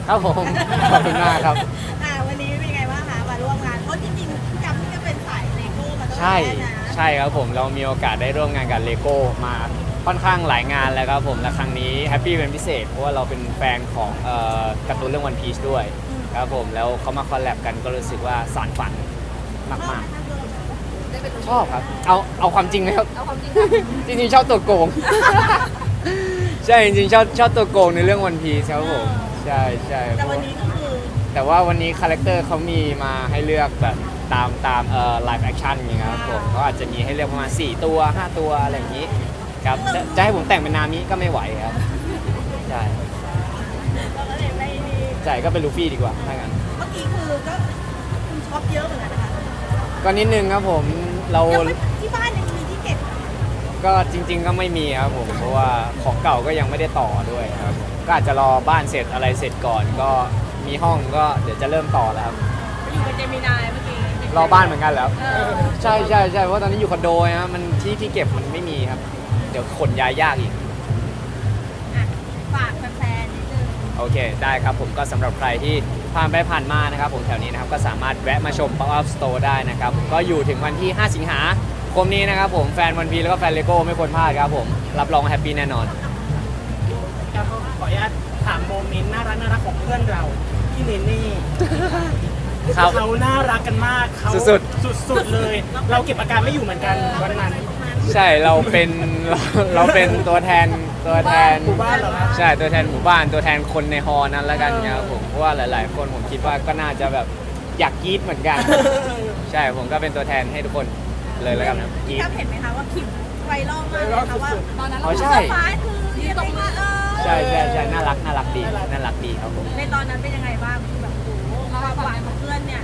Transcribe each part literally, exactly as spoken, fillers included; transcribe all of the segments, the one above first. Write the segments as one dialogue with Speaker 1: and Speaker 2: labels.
Speaker 1: ครับผมขอบคุณมากครับ
Speaker 2: อ่าวันนี้เป็นไงบ้างคะมาร่วมงานเพราะจริงๆพี่กั๊บนี่ก็เป็นสายเลโก้มาตั้งแต่
Speaker 1: ใช่
Speaker 2: แรกนะ
Speaker 1: ใช่ครับผมเรามีโอกาสได้ร่วมงานกับเลโก้มาค่อนข้างหลายงานแล้วครับผมและครั้งนี้แฮปปี้เป็นพิเศษเพราะว่าเราเป็นแฟนของเอ่อการ์ตูนเรื่องวันพีชด้วยครับผมแล้วเขามาคอลแลบกันก็รู้สึกว่าสานฝันมากๆชอบครับเอาเอาความจริงไหมครับ
Speaker 3: เอาความจริงค่ะ
Speaker 1: จริงๆชอบตัวโกง ใช่จริงๆชอบชอบตัวโกงในเรื่องวันพีซครับผมใช่ใช่
Speaker 2: แต่วันนี้ก็คือ
Speaker 1: แต่ว่าวันนี้คาแรคเตอร์เขามีมาให้เลือกแบบตามตามเอ่อไลฟ์แอคชั่นอย่างเงี้ยครับผมเขาอาจจะมีให้เลือกประมาณสี่ตัวห้าตัวอะไรอย่างงี้ครับจะจะให้ผมแต่งเป็นนามิก็ไม่ไหวครับใช่
Speaker 2: เราก็เลยไม่นี่
Speaker 1: ใช่ก็เป็นลูฟี่ดีกว่าถ้างั้น
Speaker 2: เมื่อกี้คือก็คุณช็อปเยอะเหมือนกันนะคะ
Speaker 1: ก็นิดนึงครับผมเรา
Speaker 2: ยังไม่ที่บ้านยังมีที่เก็บ
Speaker 1: ก็จริง ๆ ก็ไม่มีครับผมเพราะว่าของเก่าก็ยังไม่ได้ต่อด้วยครับผมก็อาจจะรอบ้านเสร็จอะไรเสร็จก่อน ก็มีห้องก็เดี๋ยวจะเริ่มต่อแล้วครับ
Speaker 2: อยู่กับเจมินายเมื่อกี้
Speaker 1: รอบ้านเหมือนกันแล้ว
Speaker 2: เออ
Speaker 1: ใช่ใช่ใช่เพราะว่าตอนนี้อยู่คอนโดนะมันที่ที่เก็บมันไม่มีครับ เดี๋ยวขนย้ายยากอีก
Speaker 2: อ่ะฝากแฟนๆนิดนึง
Speaker 1: โอเคได้ครับผมก็สำหรับใครที่ผ่านไปผ่านมานะครับผมแถวนี้นะครับก็สามารถแวะมาชม Pop Up Store ได้นะครับผมก็อยู่ถึงวันที่ ห้า สิงหาคมนี้นะครับผมแฟนวันพีแล้วก็แฟนเลโก้ไม่ควรพลาดครับผมรับรองแฮปปี้แน่นอน
Speaker 4: ครับขออนุญาตถามโมเมนต์น่ารักน่ารักของเพื่อนเราพี่เนเน่
Speaker 1: ครับ
Speaker 4: เขาน่ารักกันมากเขา
Speaker 1: สุด
Speaker 4: สุดๆเลย เราเก็บอาการไม่อยู่เหมือนกันวันนั้น
Speaker 1: ใช่เราเป็น เราเราเป็นตัวแทนตัวแทน
Speaker 4: หมู่บ้านเหรอครับ
Speaker 1: ใช่ตัวแทนหมู่บ้านตัวแทนคนในฮอนั้นแล้วกันครับผมเพราะว่าหลาย ๆ คนผมคิดว่าก็น่าจะแบบอยากกรี๊ดเหมือนกัน ใช่ผมก็เป็นตัวแทนให้ทุกคนเลยแล้วกันนะกรี๊
Speaker 2: พี่
Speaker 1: ด
Speaker 2: กั๊บเห็นไหมคะว่าคลิปไวรัลมากเลยค่ะว่า
Speaker 3: ตอนนั้น
Speaker 1: อ๋
Speaker 3: เรา
Speaker 1: อใช่
Speaker 2: เซอร์ไพรส์คือยังไงคะเออ
Speaker 1: ใช่ใช่ใช่น่ารักน่ารักดีน่ารักดีครับผม
Speaker 2: ในตอนนั้นเป็นยังไงบ้างคือแบบโอ้โหความหวานของเพื่อนเนี่ย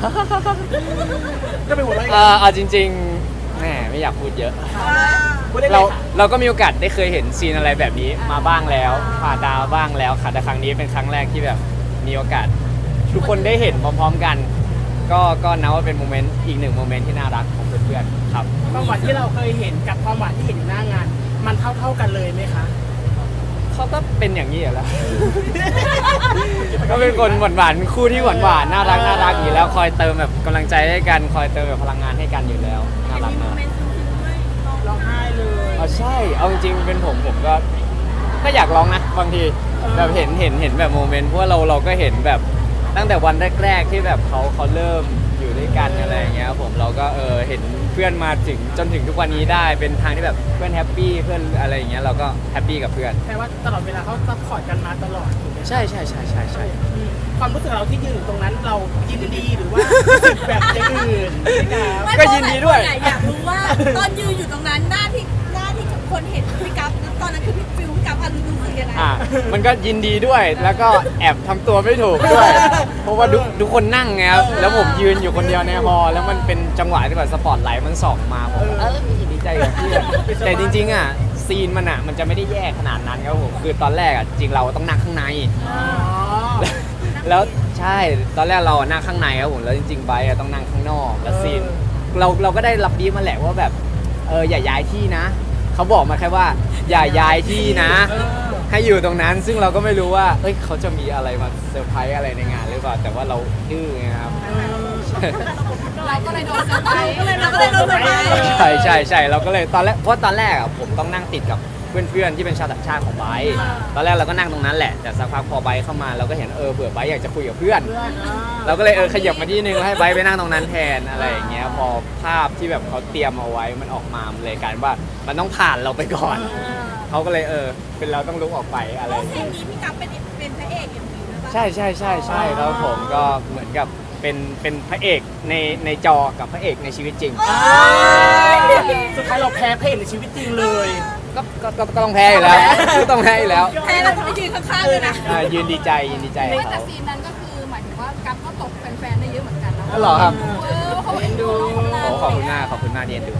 Speaker 4: ก็เป็นหัวเราะ
Speaker 1: เออเอาจริงๆแหมไม่อยากพูดเยอะ
Speaker 4: พูดได้เล
Speaker 1: เรา
Speaker 4: ยค่ะ
Speaker 1: เราก็มีโอกาสได้เคยเห็นซีนอะไรแบบนี้มาบ้างแล้วผ่านดาวบ้างแล้วค่ะแต่ครั้งนี้เป็นครั้งแรกที่แบบมีโอกาส ทุกคนได้เห็นพร้อมๆกัน ก็ก็นับว่าเป็นโมเมนต์อีกหนึ่งโมเมนต์ที่น่ารักของเพื่อนๆครับ
Speaker 4: ความหวานที่เราเคยเห็นกับความหวานที่เห็นอยู่หน้างาน มันเท่าเท่าๆกันเลยไหมคะ
Speaker 1: เขาก็เป็นอย่างนี้อยู่แล้ว ก็เป็นคนหวานๆคู่ที่หวานๆน่ารักน่ารักอยู่แล้วคอยเติมแบบกำลังใจให้กันคอยเติมแบบพลังงานให้กันอยู่แล้วน่ารัก
Speaker 2: มีโม
Speaker 1: มาก
Speaker 2: เมนต์ซึ้งๆด้วย
Speaker 4: ร้องไห้เลย
Speaker 1: อ๋อใช่เอาจริงๆเป็นผมผมก็ก็อยากร้องนะบางทีแบบเห็นเห็นเห็นแบบโมเมนต์เพราะว่าเราเราก็เห็นแบบตั้งแต่วันแรกๆที่แบบเขาเขาเริ่มอยู่ด้วยกันอะไรอย่างเงี้ยครับผมเราก็เออเห็นเพื่อนมาถึงจนถึงทุกวันนี้ได้เป็นทางที่แบบเพื่อนแฮปปี้เพื่อนอะไรอย่างเงี้ยเราก็แฮปปี้กับเพื่อน
Speaker 4: แปลว่าตลอดเวลาเขาซัพพอร์ตกันมาตลอดถูกไหม
Speaker 1: ใช่ใช่ใช่ใช่ใช่
Speaker 4: อืมความรู้สึกเราที่ยืนอยู่ตรงนั้นเรายินดีหรือว่ารู้สึกแบบอย่างอื่นนะครับ
Speaker 2: ไม่
Speaker 1: ก็ยินดีด้วย
Speaker 2: เพราะหลาคนอะอยากรู้ว่าตอนยืนอยู่ตรงนั้นหน้าที่หน้าที่คนเห็นพี่กั๊บตอนนั้นคือพี่ฟิวพี่กั๊บอะรู้สึกยังไง
Speaker 1: อ่ะมันก็ยินดีด้วยแล้วก็แอบทำตัวไม่ถูกด้วย เพราะว่าทุกทุกคนนั่งไงครับแล้วผมยืนอยู่คนเดียวในฮอลล์แล้วมันเป็นจังหวะที่แบบสปอตไลท์มันส่องมาผมเออดีใจกับเพื่อนแต่จริงๆอ่ะซีนมันอ่ะมันจะไม่ได้แย่ขนาดนั้นครับผมคือตอนแรกอ่ะจริงเราต้องนั่งข้างใน
Speaker 4: อ๋อ
Speaker 1: แล้วใช่ตอนแรกเราอะนั่งข้างในครับผมแล้วจริงๆไบร์ทอะต้องนั่งข้างนอกแล้วซีนเราเราก็ได้รับบีฟมาแหละว่าแบบเอออย่าย้ายที่นะเขาบอกมาแค่ว่าอย่าย้ายที่นะ
Speaker 4: เออ
Speaker 1: ให้อยู่ตรงนั้นซึ่งเราก็ไม่รู้ว่าเอ้ยเขาจะมีอะไรมาเซอร์ไพรส์อะไรในงานหรือเปล่าแต่ว่าเราดื้อไงครับ
Speaker 3: เราก็เลยโดนเซอร์ไพรส์
Speaker 2: เราก็เลยโดนเซอร์ไพรส์
Speaker 1: ใช่ใช่ใช่เราก็เลยตอนแรกเพราะตอนแรกอะผมต้องนั่งติดกับเพื่อนๆที่เป็นชาวต่างชาติของไบร์ทตอนแรกเราก็นั่งตรงนั้นแหละแต่สักพักพอไบร์ทเข้ามาเราก็เห็นเออเบื่อไบร์ทอยากจะคุยกับเพื่อน
Speaker 4: เพื่อนอ่า
Speaker 1: เราก็เลยเออขยับมาที่นึงแล้วให้ไบร์ทไปนั่งตรงนั้นแทนอะไรอย่างเงี้ยพอภาพที่แบบเขาเตรียมเอาไว้มันออกมามันเลยกลายเป็นว่ามันต้องผ่านเราไปก่อนเขาก็เลยเออเป็นเราต้องลุกออกไปอะไร
Speaker 2: เพ
Speaker 1: อ
Speaker 2: ราะ
Speaker 1: ย่าง
Speaker 2: เพล
Speaker 1: เงี้ย
Speaker 2: งนี้พี่กั๊บเป็นเป็นพระเอกเอ็มวีนะปะ
Speaker 1: ใช่ใช่ใช่ใช่แล้วผมก็เหมือนกับเป็นเป็นพระเอกในในจอกับพระเอกในชีวิตจริง
Speaker 4: อ่าสุดท้ายเราแพ้เพลงในชีวิตจริงเลย
Speaker 1: ก็ก็ก็ก็ต้องแพ้อยู่แล้วก็ต้องแพ้อยู่แล้ว
Speaker 2: แพ้เราจะไปยืนข้างๆเลยนะ
Speaker 1: อ่ายืนดีใจยืนดีใจ
Speaker 3: ไม่
Speaker 1: กับ
Speaker 3: แต่
Speaker 1: เขา
Speaker 3: ซีนนั้นก็คือหมายถึงว่ากัฟก็ตกแฟนๆได้เยอะเหมือนกันนะ
Speaker 1: อ๋อเหรอครับ
Speaker 3: เออเขาเอ็นดูน้องคนนั้น
Speaker 1: โอ้ขอบคุณมากขอบคุณมากที่เอ็นดู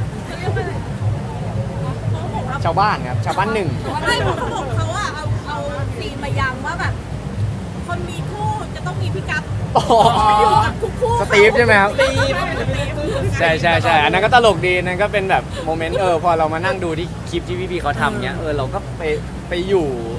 Speaker 2: เขาบอกว่า
Speaker 1: ชาวบ้านครับชาวบ้านหนึ่ง
Speaker 2: ไม่เขาบอกเขาอะเอาเอาซีนมาย้ำว่าแบบ คนมีคู่จะต้องมีพี่กั๊บ
Speaker 1: โอ้โห
Speaker 2: อยู่กับทุกคู่
Speaker 1: สตีฟใช่ไหมครับ
Speaker 4: ตีม
Speaker 1: ใช่ใช่ใช่อันนั้นก็ตลกดีนั่นก็เป็นแบบโมเมนต์เออพอเรามานั่งดูที่คลิปที่พี่ๆเขาทำเนี้ยเออเราก็ไปไปอยู่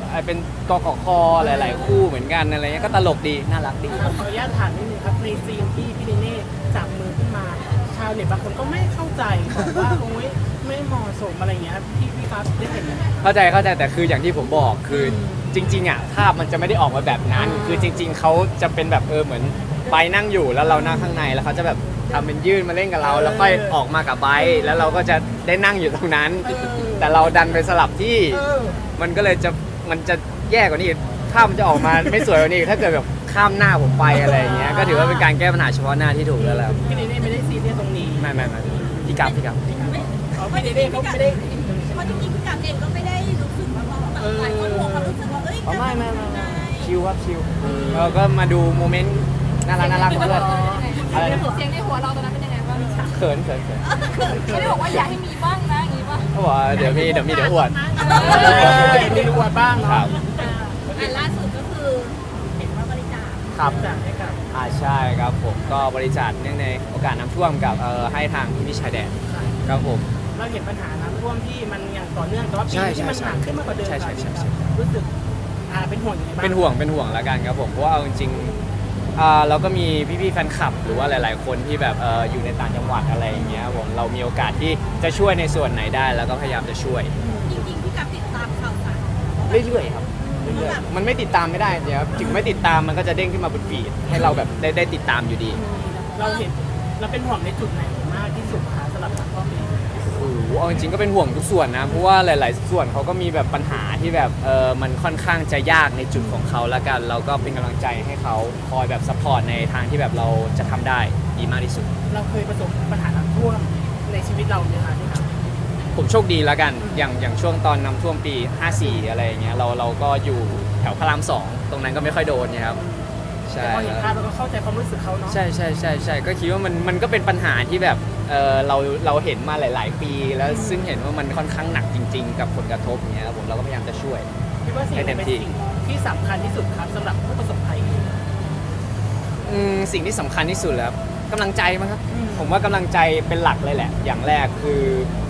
Speaker 1: เป็นกกคหลาย ๆ คู่เหมือนกันอะไรเงี้ยก็ตลกดีน่ารักดี
Speaker 4: ขออนุญาตถามนิดนึงครับในซีนที่พี่เนเน่จับมือขึ้นมา ชาวเน็ตบางคนก็ไม่เข้าใจบอกว่าโอ๊ยไม่เหมาะสมอะไรเงี้ยพี่พี่ครับได้เห็นไหม
Speaker 1: เข้าใจเข้าใจแต่คืออย่างที่ผมบอกคือจริงๆอ่ะภาพมันจะไม่ได้ออกมาแบบนั้น คือจริง ๆเขาจะเป็นแบบเออเหมือนไบร์ทนั่งอยู่แล้วเรานั่งข้างในแล้วเขาจะแบบทำเป็นยื่นมาเล่นกับเรา แล้วค่อยออกมากับไบร์ทแล้วเราก็จะได้นั่งอยู่ตรงนั้น แต่เราดันไปสลับที่
Speaker 4: เออ
Speaker 1: มันก็เลยจะมันจะแย่กว่านี้ภาพมันจะออกมาไม่สวยกว่านี้ถ้าเกิดแบบข้ามหน้าผมไปอะไรอย่างเงี้ยก็ถือว่าเป็นการแก้ปัญหาเฉพาะหน้าที่ถูกแล้วแหละ
Speaker 4: พี่เนเน่ไม่ได้ซีเรียสตรงนี้
Speaker 1: ไม่ไม่ไม่พี่กับพี่กับ
Speaker 2: ไม่
Speaker 4: อ๋อพี่เนเน่เขาไม่ได้
Speaker 2: เพราะจริงๆพี่กัปเองก็ไม่ได้รู้สึกว่าเราแบบหลายคนห่วงความรู้สึกว่าเอ้ย
Speaker 1: อ๋อไม่ไม่ไม่
Speaker 2: ยังไง
Speaker 1: ชิลครับชิลเราก็มาดูโมเมนต์น่ารักน่ารักของเพื่อนอะไรนะ
Speaker 3: เสียงในหัวเราตอนนั้นเป็นยังไงบ้าง
Speaker 1: เขินเขินเขิน
Speaker 3: ไม่ได้บอกว่าอยากให้มีบ้างนะอย่างนี้ป่ะ
Speaker 1: เขาบอกว่าเดี๋ยวมีเดี๋ยวมีเดี๋ยวอวด
Speaker 4: เออมีรวดบ้าง
Speaker 1: ครั
Speaker 4: เนาะ
Speaker 1: บ
Speaker 2: อันล่าสุดก็คือเห็นว่าบริจาค
Speaker 1: ครับ
Speaker 4: จัดให้กับ
Speaker 1: อ่าใช่ครับผมก็บริจาคเนื่องในโอกาสน้ำท่วมกับเอ่อให้ทางพี่พี่ชายแดนครับผม
Speaker 4: เราเห็นปัญหาน้ำท่วมที่มันอย่างต่อเนื่องแต่ว่าปี
Speaker 1: ใช่
Speaker 4: นี้ที่มัน
Speaker 1: ใช่
Speaker 4: หนักขึ้นมากกว่าเดิม
Speaker 1: ใช่ใช่ใช่ใช่
Speaker 4: รู้สึกอ่าเป็นห่วงยังไงบ้าง
Speaker 1: เป็นห่วงเป็นห่วงแล้วกันครับผมเพราะว่าเอาจริงๆอ่าเราก็มีพี่ๆแฟนคลับ หรือว่าหลาย ๆ คนที่แบบเอออยู่ในต่างจังหวัดอะไรอย่างเงี้ยครับผมเรามีโอกาสที่จะช่วยในส่วนไหนได้ แล้วก็พยายามจะช่วย
Speaker 2: จริงๆพี่กัปติดตามข่าวสาร
Speaker 1: เรื่อยๆครับเรื่อยๆมันไม่ติดตามไม่ได้เดี๋ยวถึงไม่ติดตามมันก็จะเด้งขึ้นมาบนฟีดให้เราแบบได้ได้ติดตามอยู่ดี
Speaker 4: เราเห็นเราเป็นห่วงในจุดไหนมากที่สุดคะสำหรับน้ำท่วมปีนี้
Speaker 1: โอ้โหเอาจริงๆก็เป็นห่วงทุกส่วนนะ เพราะว่าหลาย ๆ ส่วนเขาก็มีแบบปัญหาที่แบบเออมันค่อนข้างจะยากในจุดของเขาละกัน เราก็เป็นกำลังใจให้เขาคอยแบบซัพพอร์ตในทางที่แบบเราจะทำได้ดีมากที่สุด
Speaker 4: เราเคยประสบปัญหาน้ำท่วมในชีวิตเราไหมคะที่ครับ
Speaker 1: ผมโชคดีละกัน อย่างอย่างช่วงตอนน้ำท่วมปี ห้าสี่ อะไรอย่างเงี้ย เราเราก็อยู่แถวพระรามสองตรงนั้นก็ไม่ค่อยโดนเนี่ยครับ ใช่
Speaker 4: แต่พอเห็นภาพเราก็เข้าใจความรู้สึกเขาเนาะ
Speaker 1: ใช่ใช่ใช่ใช่ก็คิดว่ามันมันก็เป็นปัญหาที่แบบเออเราเราเห็นมาหลาย ๆ ปี แล้วซึ่งเห็นว่ามันค่อนข้างหนักจริง ๆ กับผลกระทบอย่างเงี้ยครับผมเราก็พยายามจะช่วย
Speaker 4: คิดว่าสิ่งไหนเป็นสิ่งที่สำคัญที่สุดครับสำหรับผู้ประสบภัย
Speaker 1: อืมสิ่งที่สำคัญที่สุดแล้วกำลังใจมั้งครับ
Speaker 4: อืม
Speaker 1: ผมว่ากำลังใจเป็นหลักเลยแหละ อย่างแรกคือ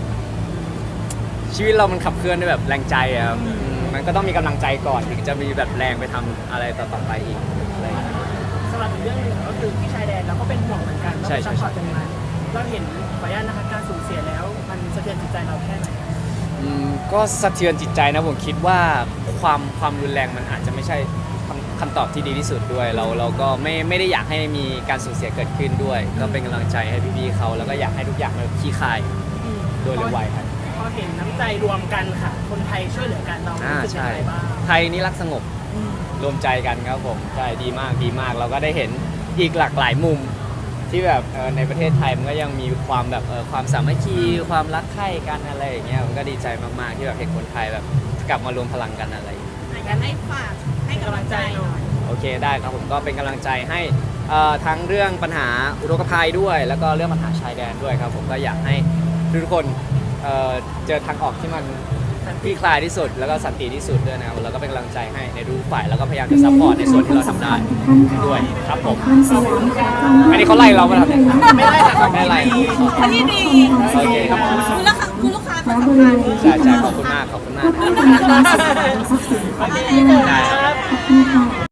Speaker 1: ชีวิตเรามันขับเคลื่อนด้วยแบบแรงใจอะครับอืมมันก็ต้องมีกำลังใจก่อนถึงจะมีแบบแรงไปทำอะไรต่อๆไปอีกอะไรอย่างเงี้ย
Speaker 4: สำหรับอีกเรื่องหนึ่งก็คือที่ชายแดนเราก็เป็นห่วงเหมือนกันเรา
Speaker 1: ใช่
Speaker 4: ไป
Speaker 1: ใช่
Speaker 4: ซัพพอร์ตตรงนั้นเราเห็นขออนุญาตนะคะการสูญเสียแล้ว มันสะเทือนจิตใจเราแค่ไหน
Speaker 1: อืมก็สะเทือนจิตใจนะผมคิดว่าความความรุนแรงมันอาจจะไม่ใช่คำคำตอบที่ดีที่สุดด้วย เราเราก็ไม่ไม่ได้อยากให้มีการสูญเสียเกิดขึ้นด้วย ก็เป็นกำลังใจให้พี่ๆเขาแล้วก็อยากให้ทุกอย่างมันคลี่คลายโดยเร็วไวครับ
Speaker 4: พอเห็นน้ำใจรวมกันค่ะ คนไทยช่วยเหลือกันเรา
Speaker 1: อ่า
Speaker 4: รู้สึกยั
Speaker 1: ใช่
Speaker 4: งไงบ้าง
Speaker 1: ไทยนี่รักสงบรวมใจกันครับผมใช่ดีมากดีมาก เราก็ได้เห็นอีกหลากหลายมุมที่แบบเอ่อในประเทศไทยมันก็ยังมีความแบบเอ่อความสามัคคีความรักใคร่กันอะไรอย่างเงี้ยมันก็ดีใจมากๆที่แบบเห็นคนไทยแบบกลับมารวมพลังกันอะไรอย่างเงี้ย
Speaker 2: อยากให้ฝากให้กำลังใจหน่อย
Speaker 1: โอเคได้ครับผมก็เป็นกำลังใจให้เอ่อทั้งเรื่องปัญหาอุทกภัยด้วย แล้วก็เรื่องปัญหาชายแดนด้วยครับผมก็อยากให้ทุกคนเอ่อเจอทางออกที่มันคลี่คลายที่สุด แล้วก็สันติที่สุดด้วยนะครับแล้วก็เป็นกำลังใจให้ในทุกฝ่ายแล้วก็พยายามจะซัพพอร์ตในส่วนที่เราทำได้ด้วยครับผมอันนี้เขาไล่เราไหมครับเนี่ย
Speaker 4: ไม่ได้ค่ะ
Speaker 1: ไม่ไล่
Speaker 2: อันนี้ดี
Speaker 1: โอเคครับ
Speaker 2: คุณลูกค้าคุณลูกค้าเป็นสำคัญ
Speaker 1: ใช่ใช่ขอบคุณมากขอบคุณมาก
Speaker 4: โอเคครับ